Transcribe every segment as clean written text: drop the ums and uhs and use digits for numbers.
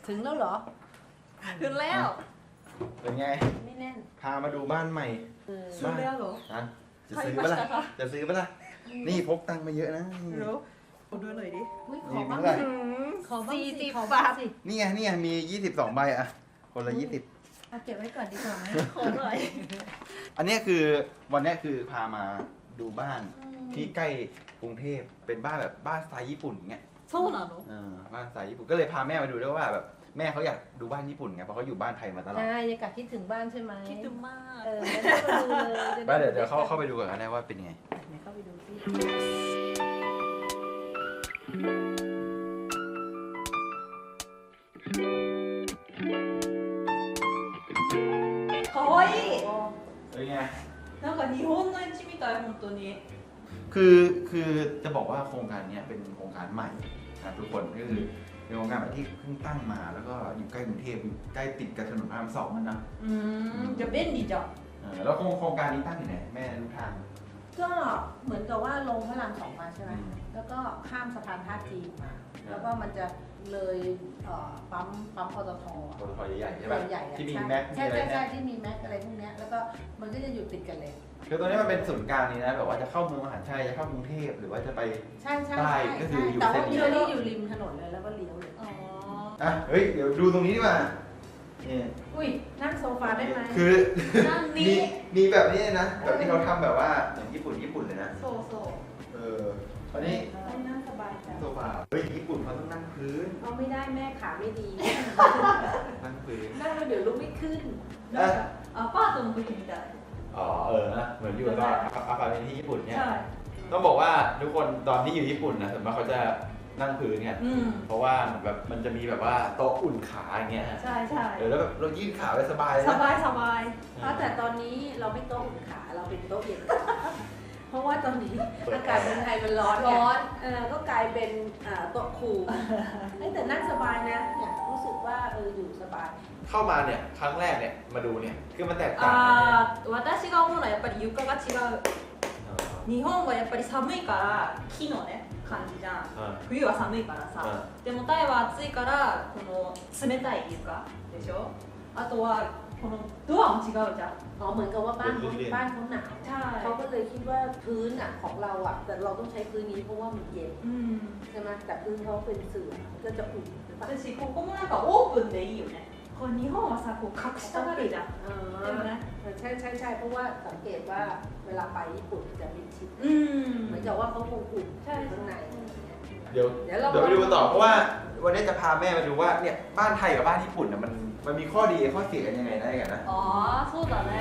ถึงแล้วเหรอถึงแล้วเป็นไงไม่แน่นพามาดูบ้านใหม่ถึงแล้วเหรอนะจะซื้อปะล่ะจะซื้อปะล่ะนี่พกตังค์มาเยอะนะนี่รู้ดูหน่อยดิอุ๊ยขนี่อบ้างเท่าไหร่สิขอบ้าง 40 สิขอบ้างบาทสินี่ไงมี22ใบอะคนละ20 เอาเก็บไว้ก่อนดีกว่าไหมขอหน่อยอันเนี้ยคือวันเนี้ยคือพามาดูบ้านที่ใกล้กรุงเทพเป็นบ้านแบบบ้านสไตล์ญี่ปุ่นเงี้ยそうなのบ้านสไตล์ญี่ปุ่นก็เลยพาแม่มาดูด้วยว่าแบบแม่เขาอยากดูบ้านญี่ปุ่นไงเพราะเขาอยู่บ้านไทยมาตลอดใช่ยังกะคิดถึงบ้านใช่ไหมคิดถึงมากงั้นก็มาดูเลยจะบ้านเดี๋ยวเข้าไปดูก่อนก็ได้ว่าเป็นไงไหนเข้าไปดูสิかわいいเป็นไงなんか日本の家みたい本当にคือจะบอกว่าโครงการเนี้ยเป็นโครงการใหม่นะทุกคนก็คือเป็นโครงการแบบที่เพิ่งตั้งมาแล้วก็อยู่ใกล้กรุงเทพอยู่ใกล้ติดกับถนนพระราม2นะじゃあ便利じゃんแล้วโครงการนี้ตั้งอยู่ไหนแม่รู้ทางก็เหมือนกับว่าลงพระรามสองมาใช่ไหมแล้วก็ข้ามสะพานท่าจีนมา แล้วก็มันจะเลยปั๊มปตทปตทใหญ่ๆใช่ใหปะญ่ๆอะที่มีแม็กมีใช่อะไรใช่เนี่ยที่มีแม็กอะไรพวกเนี้ยแล้วก็มันก็จะอยู่ติดกันเลยคือตรงนี้มันเป็นศูนย์กลางนี้นะแบบว่าจะเข้าเมืองมหาชัยจะเข้ากรุงเทพหรือว่าจะไปใช่ใช่ใช่ใช่ก็คืออยู่แต่ว่าเส้นนี้เดี๋ยวนี้อยู่ริมถนนเลยแล้วก็เลี้ยวเลยอ๋ออ่ะเฮ้ยเดี๋ยวดูตรงนี้ดีกว่านี่อุ้ยนั่งโซฟาได้ไหมคือนั่นนี่มีแบบนี้นะแบบที่เขาทำแบบว่าเหมือนญี่ปุ่นเลยนะそうそうตอนนี้ต้องนั่งสบายจังโซฟาเฮ้ยญี่ปุ่นเขาต้องนั่งพื้นเอาไม่ได้แม่ขาไม่ดีนั่งพื้นนั่งแล้วเดี๋ยวลุกไม่ขึ้นอ่ะアパートの時みたいอ๋อนะเหมือนอยู่ตอนอาพาร์ตเมนต์ที่ญี่ปุ่นเนี่ยใช่ต้องบอกว่าทุกคนตอนที่อยู่ญี่ปุ่นนะส่วนมากเขาจะนั่งพื้นไงอืมเพราะว่าแบบมันจะมีแบบว่าโต๊ะอุ่นขาอย่างเงี้ยฮะใช่ใช่แล้วแบบเรายืดขาไปสบายเลยสนะบายสบายเพราะแต่ตอนนี้เราไม่โต๊ะอุ่นขาเราเป็นโต๊ะเย็นขาเพราะว่าตอนนี้อากาศเมืองไทยมันร้อนไงร้อนก็กลายเป็นโต๊ะคูลเอ้ยแต่นั่งสบายนะเนี่ยรู้สึกว่าอยู่สบายเข้ามาเนี่ยครั้งแรกเนี่ยมาดูเนี่ยคือมันแตกต่างกันเนี่ย私が思うのはやっぱり床が違う日本はやっぱり寒いから木のね感じじゃん冬は寒いからさでもタイは暑いからこの冷たい床でしょあとはこのドアも違うじゃんอ๋อเหมือนกับว่าบ้านเขาหนาวใช่เขาก็เลยคิดว่าพื้นของเราแต่เราต้องใช้พื้นนี้เพราะว่ามันเย็นうんใช่ไหมแต่พื้นเขาเป็นเสื่อก็จะอุ่นหรือเปล่า私ここもなんかオープンでいいよねこう日本はさこう隠したがるじゃんอ๋อでもねใช่เพราะว่าสังเกตว่าเวลาไปญี่ปุ่นจะมิดชิดうんเหมือนกับว่าเขาคงอุ่นใช่ข้างในเดี๋ยวเดี๋ยวเราไปดูกันต่อเพราะว่าวันนี้จะพาแม่มาดูว่าเนี่ยบ้านไทยกับบ้านญี่ปุ่นน่ะมันมีข้อดีข้อเสียกันยังไงได้กันนะああそうだね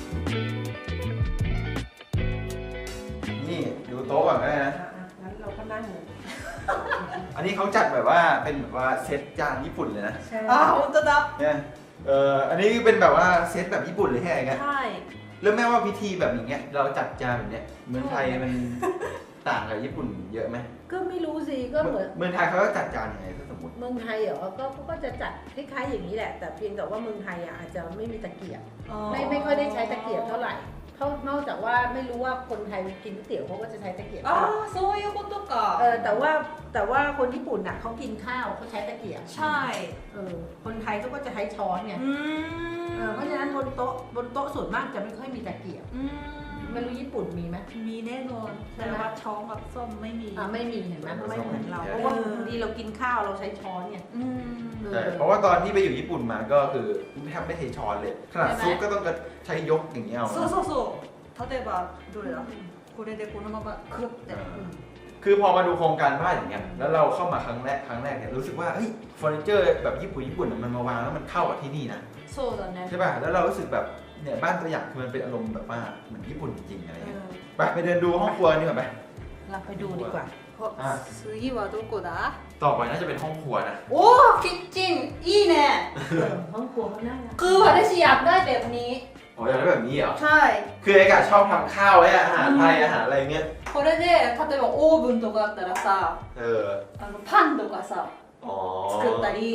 นี่ดูโต๊ะก่อนก็ได้นะงั้นเราก็นั่งเลยอันนี้เขาจัดแบบว่าเป็นแบบว่าเซตจานญี่ปุ่นเลยนะใช่あ本当だเนี่ยอันนี้เป็นแบบว่าเซตแบบญี่ปุ่นเลยแค่ไหนกันはいแล้วแม่ว่าพิธีแบบอย่างเงี้ยเราจัดจานแบบเนี้ยเมืองไทยมันต่างกับญี่ปุ่นเยอะไหมก็ไม่รู้สิก็เหมือนเมืองไทยเขาก็จัดจานยังไงถ้าสมมติเมืองไทยเหรอก็จะจัดคล้ายๆอย่างนี้แหละ แต่เพียงแต่ว่าเมืองไทยอาจจะไม่มีตะเกียบไม่ค่อยได้ใช้ตะเกียบเท่าไหร่นอกจากว่าไม่รู้ว่าคนไทยกินก๋วยเตี๋ยวเขาก็จะใช้ตะเกียบああそういうことかแต่ว่าคนญี่ปุ่นน่ะเขากินข้าวเขาใช้ตะเกียบใช่คนไทยเขาก็จะใช้ช้อนไงอืมเพราะฉะนั้นบนโต๊ะส่วนมากจะไม่ค่อยมีตะเกียบอืมไม่รู้ญี่ปุ่นมีไหมมีแน่นอนแต่ว่าช้อนกับส้มไม่มีไม่มีเห็นไหมไม่เหมือนเราเพราะว่าบางทีเรากินข้าวเราใช้ช้อนไงอืมใช่เพราะว่าตอนที่ไปอยู่ญี่ปุ่นมาก็คือแทบไม่ใช้ช้อนเลยขนาดซุปก็ต้องใช้ยกอย่างเงี้ยเอาそうそうそう例えばどれだこれでこのままクッてคือพอมาดูโครงการบ้านอย่างเงี้ยแล้วเราเข้ามาครั้งแรกเนี่ยรู้สึกว่าเฮ้ยเฟอร์นิเจอร์แบบญี่ปุ่นมันมาวางแล้วมันเข้ากับที่นี่นะそうだねใช่ป่ะแล้วเรารู้สึกแบบเนี่ยบ้านตัวอย่างคือมันเป็นอารมณ์แบบว่าเหมือนญี่ปุ่นจริงๆอะไรเงี้ยไปเดินดูห้องครัวนี่ก่อนไปเราไปดูดีกว่า次はどこだต่อไปน่าจะเป็นห้องครัวนะおおキッチンいいねห้องครัวเขาน่ารักคือ私อยากได้แบบนี้อ๋ออยากได้แบบนี้เหรอใช่คือไอ้กาชอบทำข้าวไว้อาหารไทยอาหารอะไรเงี้ยこれで例えばオーブンとかあったらさเออパンとかさอ๋อ作ったり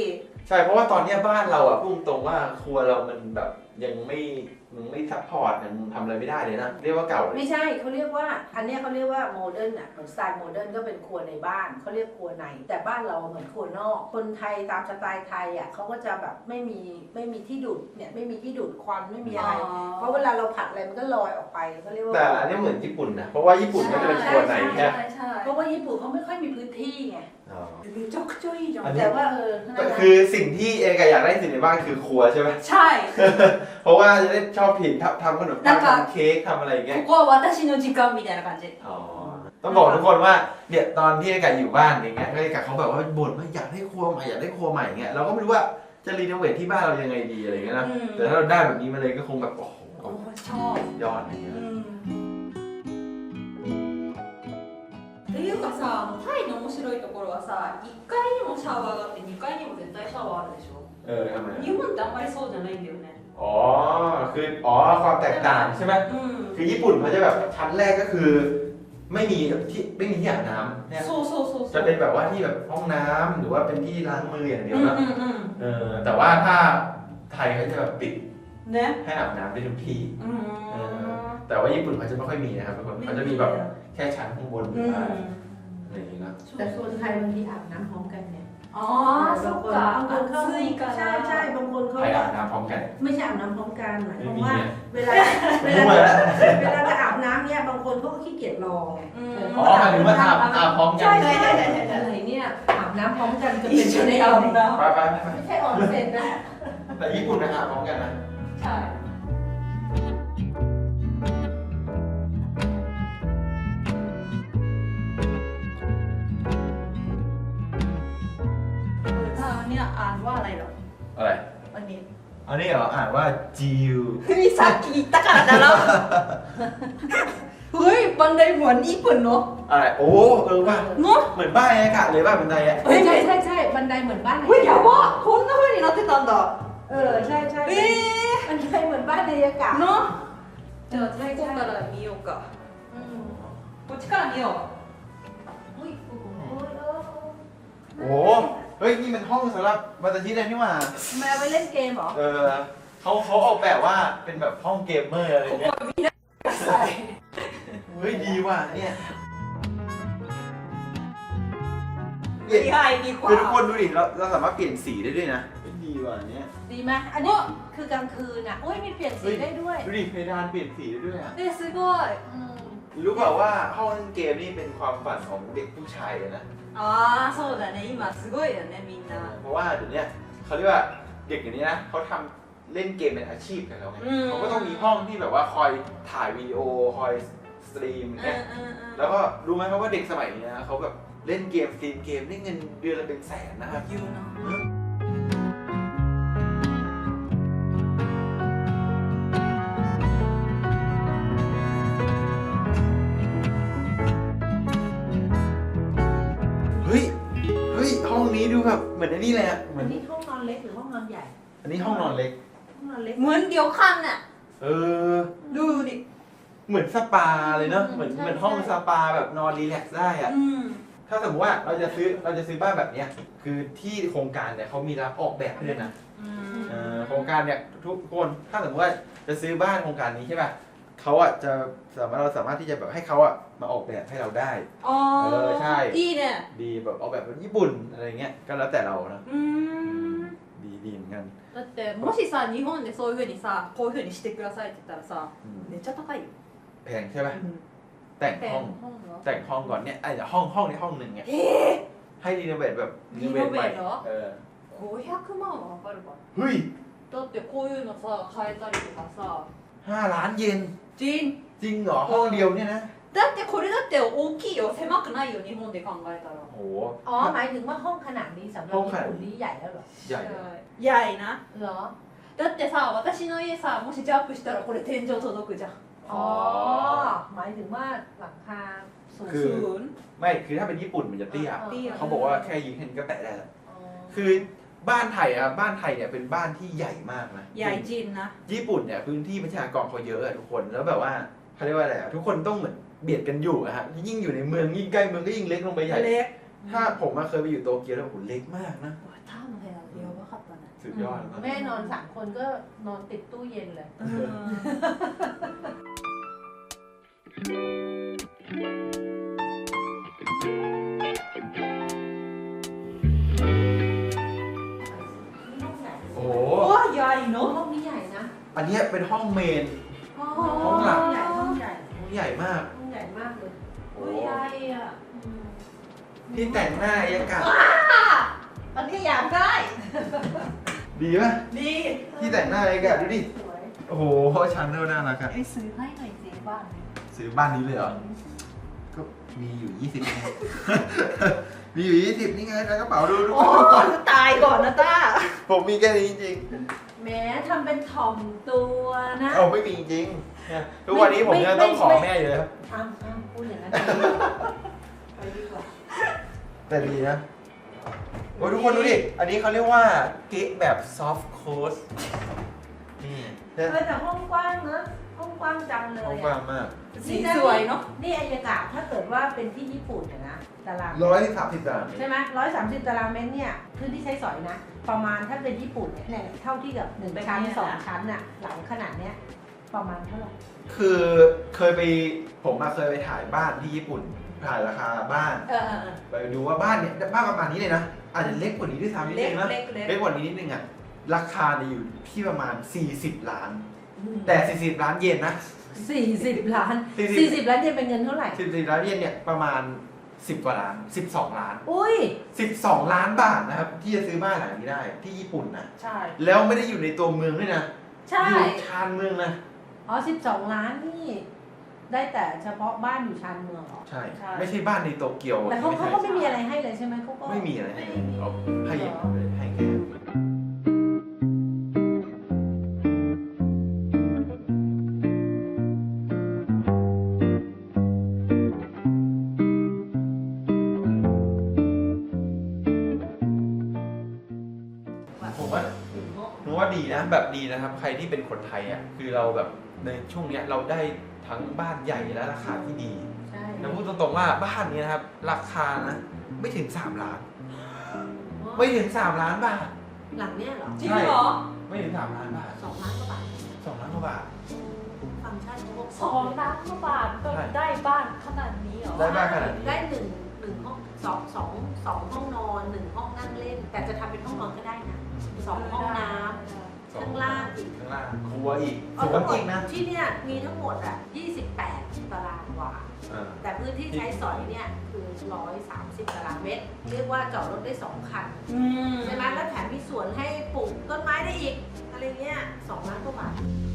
ใช่เพราะว่าตอนเนี้ยบ้านเราอ่ะพูดตรงว่าครัวเรามันแบบยังไม่ซัพพอร์ตยังทำอะไรไม่ได้เลยนะเรียกว่าเก่าเลยไม่ใช่เขาเรียกว่าอันเนี้ยเขาเรียกว่าโมเดิร์นอ่ะเหมือนสไตล์โมเดิร์นก็เป็นครัวในบ้านเขาเรียกครัวในแต่บ้านเราเหมือนครัวนอกคนไทยตามสไตล์ไทยอ่ะเขาก็จะแบบไม่มีที่ดูดเนี่ยไม่มีที่ดูดควันไม่มีอะไร เพราะเวลาเราผัดอะไรมันก็ลอยออกไปเขาเรียกว่าแต่อันนี้เหมือนญี่ปุ่นนะเพราะว่าญี่ปุ่นก็จะเป็นครัวในแค่ใช่เพราะว่าญี่ปุ่นเขาไม่ค่อยมีพื้นที่ไงอ๋อめちゃくちゃいいじゃんแต่ว่านั่นแหละคือสิ่งที่เอกอยากได้สิ่งในบ้านคือครัวใช่ไหมใช่เพราะว่าจะได้ชอบผิดทำขนมปังなんかทำเค้กทำอะไรอย่างเงี้ยここは私の時間みたいな感じอ๋อต้องบอกทุกคนว่าเนี่ยตอนที่เอกอยู่บ้านอย่างเงี้ยเอกเขาแบบว่าบ่นว่าอยากได้ครัวใหม่อยากได้ครัวใหม่เงี้ยเราก็ไม่รู้ว่าจะรีโนเวทที่บ้านเรายังไงดีอะไรเงี้ยนะแต่ถ้าเราได้แบบนี้มาเลยก็คงแบบโอ้โหโอ้ชอบยอดอะไรเงี้ยっていうかさタイの面白いところはさ1階にもシャワーがあって2階にも絶対シャワーあるでしょทำไม日本ってあんまりそうじゃないんだよねอ๋อคือความแตกต่างใช่ไหม คือญี่ปุ่นเขาจะแบบชั้นแรกก็คือ ไม่มีที่อาบน้ำเนี่ยそうそうそうそจะうเป็นแบบว่าที่แบบห้องน้ำหรือว่าเป็นที่ล้างมืออย่างเดียวนะแต่ว่าถ้าไทยเขาจะแบบปิดねให้อาบน้ำได้ทุกที่うんแต่ว่าญี่ปุ่นเขาจะไม่ค่อยมีนะครับทุกคนเขาจะมีแบบแค่ชั้นข้างบนอะไรอย่างนี้นะแต่โซนไทยบางทีอาบน้ำพร้อมกันเนี่ยああそっか暑いからใช่บางคนเขาใครอาบน้ำพร้อมกันไม่ใช่อาบน้ำพร้อมกันหมายความไม่มีว่าเนี่ยเวลาจะอาบน้ำเนี่ยบางคนเขาก็ขี้เกียจรอไงอ๋อหมายถึงว่าอาบพร้อมกันใช่อะไรเนี่ยอาบน้ำพร้อมกันจะเป็นอยู่ในอาบน้ไปไปไปำไม่ใช่ออนเซ็นนะแต่ญี่ปุ่นนะอาบพร้อมกันนะใช่เนี่ยอ่านว่าอะไรหรออะไรอันนี้อันนี้เหรออ่านว่าจิวนี่さっき言ったからだろเฮ้ยบันไดเหมือนญี่ปุ่นเนาะอะไรโอ้ว่าเนาะเหมือนบ้านอากาศเลยบ้านบันไดอ่ะใช่บันไดเหมือนบ้านไหนเฮ้ยやばっこんな風になってたんだใช่บันไดเหมือนบ้านในอากาศเนาะじゃあ最後から見ようかこっちから見ようโอ้เฮ้ยนี่มันห้องสำหรับมาตาชิเลยนี่หว่ามาไปเล่นเกมเหรอเขาออกแบบว่าเป็นแบบห้องเกมเมอร์อะไรเงี้ยเฮ้ยดีว่ะเนี่ย見合いดีกว่าคือทุกคนดูดิเราสามารถเปลี่ยนสีได้ด้วยนะดีว่ะเนี่ยดีไหมอันนี้คือกลางคืนอ่ะอุ้ยมีเปลี่ยนสีได้ด้วยดูดิเพดานเปลี่ยนสีได้ด้วยอ่ะねすごいรู้เปล่าว่าห้องเล่นเกมนี่เป็นความฝันของเด็กผู้ชายเลยนะああそうだね今すごいよねみんなเพราะว่าเดี๋ยวนี้เขาเรียกว่าเด็กอย่างนี้นะเขาทำเล่นเกมเป็นอาชีพกันแล้วไงเขาก็ต้องมีห้องที่แบบว่าคอยถ่ายวีดีโอคอยสตรีมอย่างเงี้ยแล้วก็รู้ไหมครับว่าเด็กสมัยนี้นะเขาแบบเล่นเกมสตรีมเกมได้เงินเดือนละเป็นแสนนะครับ言うなเฮ้ยห้องนี้ดูแบบเหมือนไอ้นี่เลยอะเหมือัอนนนี้ห้องนอนเล็กหรือห้องนอนใหญ่อันนี้ห้องนอนเล็กห้องนอนเล็กเหมือนเดียวกันน่ะ ดูดิเหมือนสปาเลยเนาะเหมือนห้องสปาแบบนอนรีแลกซ์ได้อะถ้าสมมติว่าเราจะซื้อบ้านแบบเนี้ยคือที่โครงการเนี่ยเขามีรับออกแบบให้ด้วยนะโครงการเนี่ยทุกคนถ้าสมมติว่าจะซื้อบ้านโครงการนี้ใช่ป่ะเขาอ่ะจะเราสามารถที่จะแบบให้เขาอ่ะมาออกแบบให้เราได้อ๋อใช่いいねดีแบบออกแบบเป็นญี่ปุ่นอะไรเงี้ยก็แล้วแต่เรานะดีเหมือนกันだってもしさ日本でそういう風にさこういう風にしてくださいって言ったらさめっちゃ高いよแพงใช่ไหมแต่งห้องห้องเหรอแต่งห้องก่อนเนี่ยไอ้ห้องนี้ห้องหนึ่งเนี่ยให้รีโนเวทแบบรีโนเวทใหม่รีโนเวทเหรอ 500万はかかるかเฮ้ยだってこういうのさ変えたりとかさ 5 ล้านเยนジンจริงเหรอห้องเดียวเนี่ยนะだってこれだって大きいよ狭くないよ日本で考えたらโอ้อ๋อหมายถึงว่าห้องขนาดนี้สำหรับญี่ปุ่นนี่ใหญ่แล้วเหรอใหญ่ใหญ่なเหรอだってさ私の家さもしジャンプしたらこれ天井届くじゃんอ๋อหมายถึงว่าหลังคาสูงคือศูนย์ไม่คือถ้าเป็นญี่ปุ่นมันจะเตี้ยเตี้ยเขาบอกว่าแค่ยิงเห็นก็แตะได้แล้วคือบ้านไทยอะบ้านไทยเนี่ยเป็นบ้านที่ใหญ่มากนะใหญ่จริงนะญี่ปุ่นเนี่ยพื้นที่ประชากรเขาเยอะอะทุกคนแล้วแบบว่าเขาเรียกว่าอะไรอะทุกคนต้องเหมือนเบียดกันอยู่อะฮะยิ่งอยู่ในเมืองยิ่งใกล้เมืองก็ยิ่งเล็กลงไปใหญ่เล็กถ้าผมมาเคยไปอยู่โตเกียวแล้วโหเล็กมากนะターの部屋やばかったねสุดยอดนะแม่นอน3 คนก็นอนติดตู้เย็นเลยโอ้โหうわいやいいห้のองนี้ใหญ่นะอันเนี้ยเป็นห้องเมนห้องใหญ่ห้องใหญ่ห้องใหญ่มากห้องใหญ่มากเลยโอ้いやいやที่แต่งหน้าอายากาศอันนี้อยากได้ดีป่ะดีที่แต่งหน้าอายากาศดูดิสวยโอ้โหชั้นเท่าน่ารักอะไอ้ซื้อให้หน่อยสิบ้านซื้อบ้านนี้เลยเหรอ ก็มีอยู่ 20ไง มีอยู่ 20 นี่ไงในกระเป๋าดูดูโอ้ตายก่อนนะต้าผมมีแค่นี้จริงแหม้ทำเป็นถ่อมตัวนะๆเอาไม่มีจริงเนี่ยทุกวันนี้ผมยังต้องขอแม่อยู่เลยครับอ้าวพูดอย่างนั้นไปดีกว่าแต่ดีนะโอ้ยทุกคนดูดิ อันนี้เขาเรียกว่าเก๊ะแบบซอฟต์โค้ดนี่เนี่ยแต่ห้องกว้างนะห้องกว้างจังเลยห้องอะกว้างมากสีสวยเนาะนี่อายากาศถ้าเกิดว่าเป็นที่ญี่ปุ่นเนี่ยนะตาราง 130 ตารางเมตรใช่ไหม130 ตารางเมตรเนี่ยพื้นที่ใช้สอยนะ ประมาณถ้าเป็นญี่ปุ่นเนี่ยเท่าที่กับ1 ชั้น 2 ชั้นน่ะหลังขนาดเนี้ยประมาณเท่าไหร่คือเคยไปผมมาเคยไปถ่ายบ้านที่ญี่ปุ่น ถ่ายราคาบ้าน ไปดูว่าบ้านเนี่ยบ้านประมาณนี้เลยนะ อาจจะเล็กกว่านี้ด้วยซ้ำนิดเล็นึกงนะเล็กเล็กเล็กกว่านี้นิดนึงอ่ะ ราคาเนี่ยอยู่ที่ประมาณ 40 ล้าน แต่ 40 ล้านเยนนะ 40 ล้าน 40 40 ล้านเยนเป็นเงินเท่าไหร่ 40 ล้านเยนเนี่ยประมาณ 10 กว่าล้าน 12 ล้านอุ้ย 12 ล้านบาทนะครับ ที่จะซื้อบ้านหลังนี้ได้ที่ญี่ปุ่นนะใช่แล้วไม่ได้อยู่ในตัวเมืองด้วยนะใช่อยู่ชานเมืองนะอ๋อ12 ล้านนี่ ได้แต่เฉพาะบ้านอยู่ชานเมืองเหรอใช่ ไม่ใช่บ้านในโตเกียวแต่เขาใช่ก็ไม่มีอะไรให้เลยใช่ไหมเขาก็ไม่มีอะไรให้เลยเขาให้อย่างเดียวเลยให้แค่ ผมว่าผมว่าดีนะแบบดีนะครับ ใครที่เป็นคนไทยอ่ะคือเราแบบในช่วงเนี้ยเราได้ทั้งบ้านใหญ่และราคาที่ดีใช่นะพูดตรงๆว่าบ้านนี้นะครับ ราคานะไม่ถึง 3 ล้าน ไม่ถึง 3 ล้านบาทหลังเนี้ยเหรอจริงเหรอไม่ถึง 3 ล้านบาท 2 ล้านกว่าบาท 2 ล้านกว่าบาทฟังก์ชันเขาบอก 2 ล้านกว่าบาทก็ได้บ้านขนาดนี้เหรอได้บ้านขนาดนี้ได้หนึ่งห้องสองห้องนอน1 ห้องนั่งเล่น แต่จะทำเป็นห้องนอนก็ได้นะ2 ห้องน้ำข้างล่างอีกข้างล่างครัวอีกเอาสวทั้นงหมอีดกนะที่เนี่ยมีทั้งหมดอ่ะ28 ตารางวาอ่าแต่พื้นที่ใช้สอยเนี่ยคือ130 ตารางเมตร เรียกว่าจอดรถได้2 คันอืมใช่ไหมแล้วแถมมีสวนให้ปลูกต้นไม้ได้อีก อะไรเงี้ย2 ล้านกว่าบาท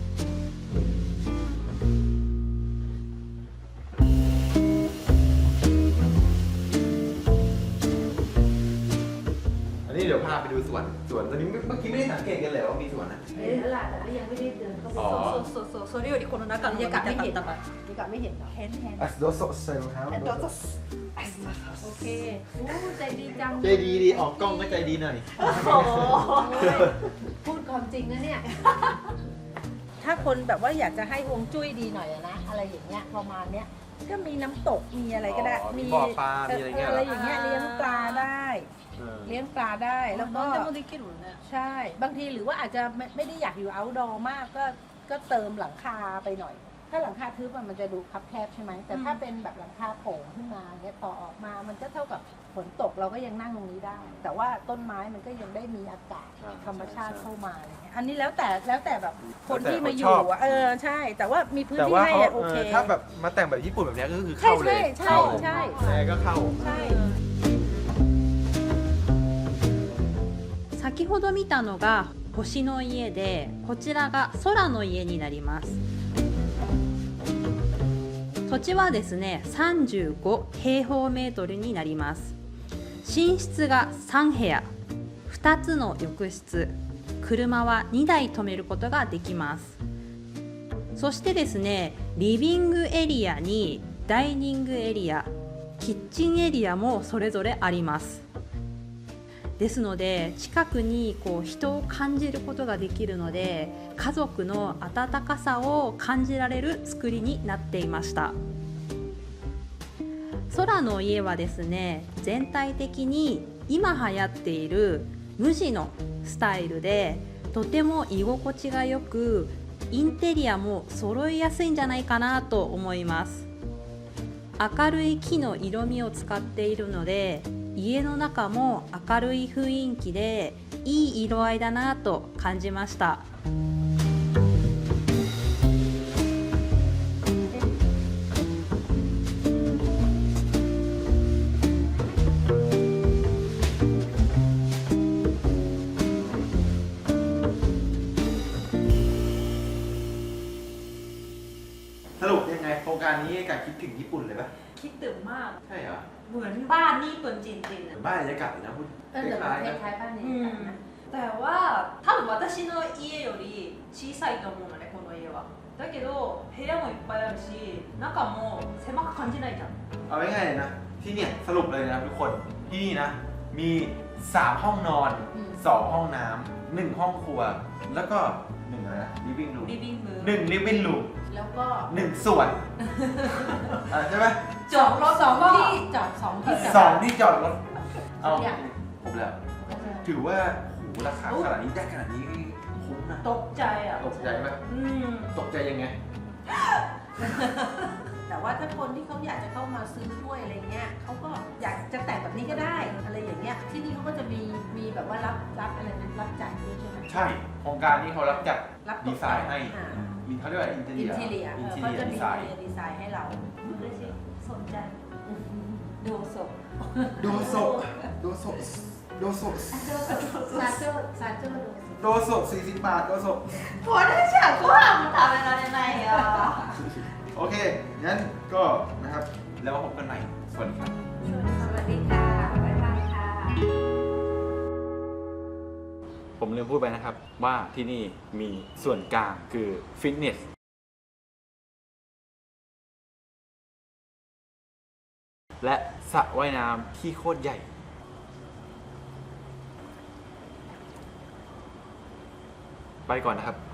อันนี้เดี๋ยวพาไปดูสวนตอนนี้เมื่อกี้ไม่ได้สังเกตกันเลยว่ามีสวนนะเห็นแล้วล่ะแต่ก็ยังไม่ได้เดินเข้าไปอ๋อそうそれよりこの中の方が見たかったからนี่กลับไม่เห็นเหรอ変変อ่ะโดโซเซลครับโอเคโอ้ใจดีจังใจดีดีออกกล้องก็ใจดีหน่อยโอ้โหพูดความจริงนะเนี่ย ถ้าคนแบบว่าอยากจะให้ฮวงจุ้ยดีหน่อยอะนะ อะไรอย่างเงี้ยประมาณเนี้ย ก็มีน้ำตก มีอะไรก็ได้อ๋อมีบ่อปลามีอะไรเงี้ยเหรออะไรอย่างเงี้ยเลี้ยงปลาได้ เลี้ยงปลาได้ แล้วก็何でもできるねใช่ บางทีหรือว่าอาจจะไม่ได้อยากอยู่ outdoor มากก็เติมหลังคาไปหน่อย ถ้าหลังคาทึบมันจะดูคับแคบใช่ไหม แต่ถ้าเป็นแบบหลังคาโผล่ขึ้นมาเนี่ยต่อออกมา มันก็เท่ากับฝนตกเราก็ยังนั่งตรงนี้ได้ แต่ว่าต้นไม้มันก็ยังได้มีอากาศธรรมชาติเข้ามาอะไรเงี้ย อันนี้แล้วแต่แบบคนที่มาอยู่อะใช่ แต่ว่ามีพื้นแต่ที่ว่าให้เขาอะโอเคถ้าแบบมาแต่งแบบญี่ปุ่นแบบเนี้ยก็คือใช่เข้าเลยใช่ใช่แม่ก็เข้าใช่先ほど見たのが星の家でこちらが空の家になります土地はですね35平方メートルになります寝室が3部屋2つの浴室車は2台止めることができますそしてですねリビングエリアにダイニングエリアキッチンエリアもそれぞれありますですので近くにこう人を感じることができるので家族の温かさを感じられる作りになっていました空の家はですね、全体的に今流行っている無地のスタイルでとても居心地がよく、インテリアも揃いやすいんじゃないかなと思います。明るい木の色味を使っているので、家の中も明るい雰囲気でいい色合いだなと感じました。 สรุปยังไงโครงการนี้กับคิดถึงญี่ปุ่นเลยปะคิดถึงมากใช่เหรอเหมือนบ้านญี่ปุ่นจริงๆเหมือะอนบ้านบรรยากาศเลยนะพูดเออแต่คล้ายๆคนะล้ายๆบ้านนี้นะแต่ว่า多分私の家より小さいと思うのね、この家は。だけど部屋もいっぱいあるし、中も狭く感じないじゃん。 เอาง่ายๆเลยนะ ที่เนี่ยสรุปเลยนะทุกคนที่นี่นะ มี 3 ห้องนอน 2 ห้องน้ำ1 ห้องครัว แล้วก็1อะไรนะ living room リビング。 1 living room แล้วก็ 1 ส่วนใช่ไหมจอดรถสองก็ที่จอดสองที่จอดสองที่จอดรถเอาอย่างผมแล้ว ถือว่าโหราคาขนาดนี้ได้ขนาดนี้คุ้มนะตกใจอ่ะตกใจไหมอืมตกใจยังไงแต่ว่าถ้าคนที่เขาอยากจะเข้ามาซื้อด้วยอะไรเงี้ยเขาก็อยากจะแต่งแบบนี้ก็ได้อะไรอย่างเงี้ยที่นี่เขาก็จะมีแบบว่ารับอะไรนะรับจ่ายด้วยใช่ไหมใช่โครงการนี้เขารับจัดรับตดีกไซน์ให้อ่าเขาเรียกว่าอินเทอร์อิเนีนยทีเรียอินเขาเทอร์เนียจะดีมีไซน์ดีไซน์ให้เรา嬉しい。สนใจดูศพโดโซโดโซโดโซซาเจอร์ซาเจอร์โดโซ40 บาทโดโซこれじゃご飯も食べられないよ。 โอเค งั้นก็นะครับ แล้วพบกันใหม่ สวัสดีครับสวัสดีค่ะบ๊ายบายค่ะผมลืมพูดไปนะครับ ว่าที่นี่มีส่วนกลางคือฟิตเนส และสระว่ายน้ำที่โคตรใหญ่ ไปก่อนนะครับ